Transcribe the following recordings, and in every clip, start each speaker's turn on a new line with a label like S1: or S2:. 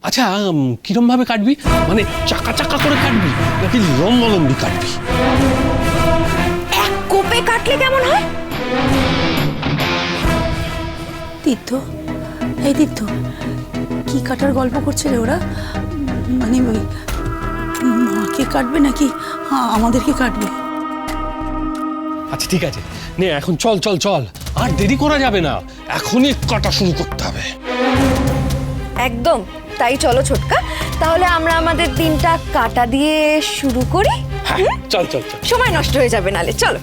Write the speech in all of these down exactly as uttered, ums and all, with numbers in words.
S1: আচ্ছা কিরম ভাবে কাটবি? মানে চাকা চাকা করে কাটবি নাকি লম্বালম্বি কাটবি?
S2: এক কোপে কাটলে কেমন হয়?
S3: তীর্থ, এই তীর্থ, কি কাটার গল্প করছে রে ওরা? মানে ওই মাকে কাটবে নাকি আমাদেরকে কাটবে?
S1: আচ্ছা ঠিক আছে, নে এখন চল চল চল, আর দেরি করা যাবে না, এখনই কাটা শুরু করতে হবে।
S2: একদম তাই, চলো ছোটকা, তাহলে আমরা আমাদের দিনটা কাটা দিয়ে শুরু করি।
S1: হ্যাঁ চল চল চল,
S2: সময় নষ্ট হয়ে যাবে নালে, চলো।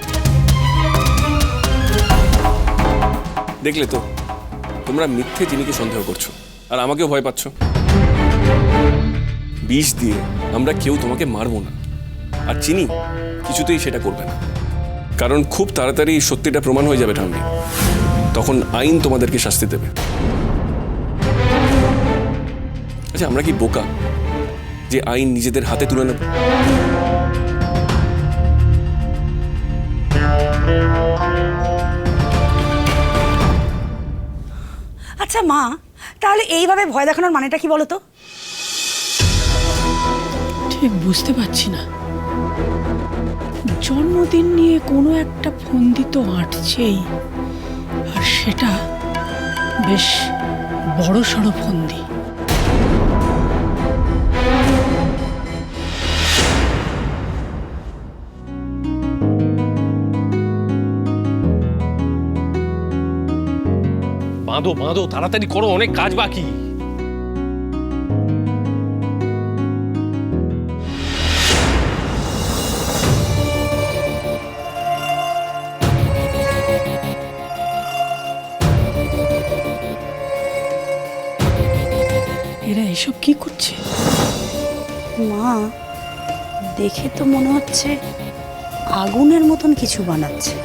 S4: দেখলে তো, তোমরা মিথ্যে চিনিকে সন্দেহ করছো আর আমাকেও ভয় পাচ্ছ। বিষ দিয়ে আমরা কেউ তোমাকে মারবো না, আর চিনি কিছুতেই সেটা করবে না, কারণ খুব তাড়াতাড়ি সত্যিটা প্রমাণ হয়ে যাবে ঠাম্মি। তখন আইন তোমাদেরকে শাস্তি দেবে। আচ্ছা, আমরা কি বোকা যে আইন নিজেদের হাতে তুলে নেব?
S3: আচ্ছা মা, তাহলে এইভাবে ভয় দেখানোর মানেটা কি বলো তো?
S5: ঠিক বুঝতে পারছি না। জন্মদিন নিয়ে কোনো একটা ফন্দি তো আঁটছেই, আর সেটা বেশ বড় সড়ো ফন্দি।
S1: বাঁধো বাঁধো, তাড়াতাড়ি করো, অনেক কাজ বাকি।
S5: এরা এসব কি করছে?
S3: মা, দেখে তো মনে হচ্ছে আগুনের মতন কিছু বানাচ্ছে।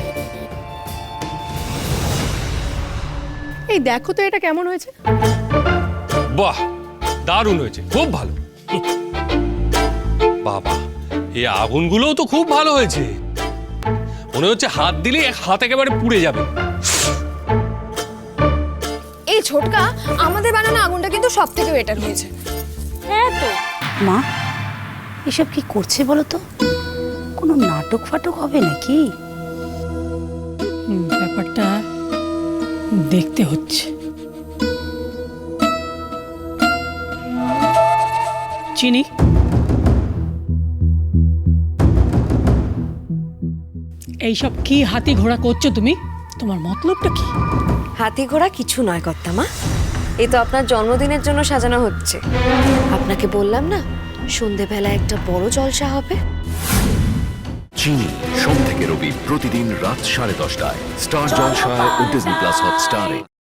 S6: এই দেখো তো এটা কেমন হয়েছে।
S1: বাহ, দারুণ হয়েছে, খুব ভালো। বাবা, এই আগুনগুলোও তো খুব ভালো হয়েছে, মনে হচ্ছে হাত দিলে এক হাত একেবারে পুড়ে যাবে।
S6: এই ছোটকা, আমাদের বানানো আগুনটা কিন্তু সব থেকে বেটার হয়েছে।
S2: হ্যাঁ তো,
S3: মা, এসব কি করছে বলো তো? কোনো নাটক ফাটক হবে নাকি?
S5: হুম, ব্যাপারটা দেখতে হচ্ছে। চিনি, এইসব কি হাতি ঘোড়া করছো তুমি? তোমার মতলবটা কি?
S2: হাতি ঘোড়া কিছু নয় কর্তামা, এ তো আপনার জন্মদিনের জন্য সাজানো হচ্ছে। আপনাকে বললাম না, সন্ধেবেলা একটা বড় জলসা হবে।
S7: চিনি সোম থেকে রবি প্রতিদিন রাত সাড়ে দশটায় স্টার জলসায় ও ডিজনি প্লাস হটস্টারে।